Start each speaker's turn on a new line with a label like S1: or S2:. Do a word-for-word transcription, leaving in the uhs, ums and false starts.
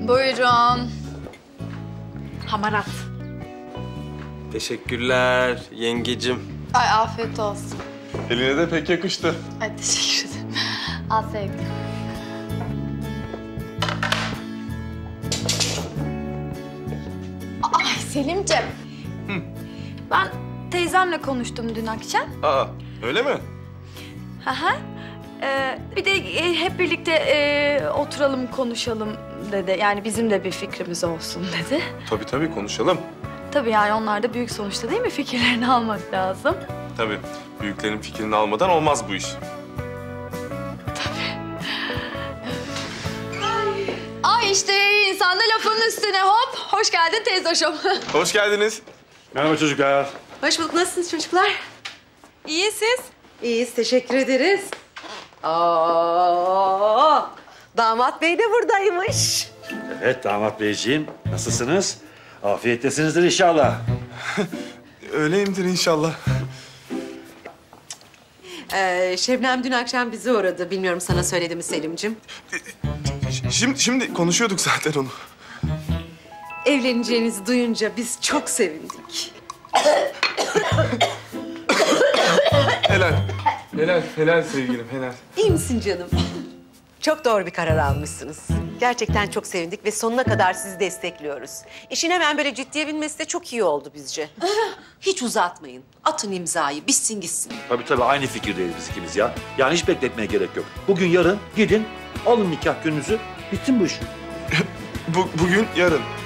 S1: Buyurun.
S2: Hamarat.
S3: Teşekkürler yengecim.
S1: Ay afiyet olsun.
S4: Eline de pek yakıştı.
S1: Ay teşekkür ederim. Al sevgilim. Ay Selimciğim. Ben teyzemle konuştum dün akşam.
S4: Aa, öyle mi?
S1: Hı hı. Ee, bir de e, hep birlikte e, oturalım konuşalım dedi. Yani bizim de bir fikrimiz olsun dedi.
S4: Tabii tabii konuşalım.
S1: Tabii yani onlar da büyük sonuçta değil mi? Fikirlerini almak lazım.
S4: Tabii. Büyüklerin fikrini almadan olmaz bu iş.
S1: Ay işte insan da lafının üstüne hop. Hoş geldin teyzoşum.
S4: Hoş geldiniz.
S5: Merhaba çocuklar.
S2: Hoş bulduk. Nasılsınız çocuklar?
S1: İyi siz?
S2: İyiyiz. Teşekkür ederiz. Aa, damat bey de buradaymış.
S5: Evet damat beyciğim. Nasılsınız? Afiyettesinizdir inşallah.
S4: Öyleyimdir inşallah.
S2: Ee, Şebnem dün akşam bizi uğradı. Bilmiyorum sana söyledi mi Selim'cim?
S4: Ş- Şimdi, şimdi konuşuyorduk zaten onu.
S2: Evleneceğinizi duyunca biz çok sevindik.
S4: Helal. Helal, helal sevgilim, helal.
S2: İyi misin canım? Çok doğru bir karar almışsınız. Gerçekten çok sevindik ve sonuna kadar sizi destekliyoruz. İşin hemen böyle ciddiye binmesi de çok iyi oldu bizce. Hiç uzatmayın. Atın imzayı, bitsin gitsin.
S5: Tabii tabii aynı fikirdeyiz biz ikimiz ya. Yani hiç bekletmeye gerek yok. Bugün yarın gidin alın nikah gününüzü bitsin bu iş.
S4: Bu, bugün, yarın.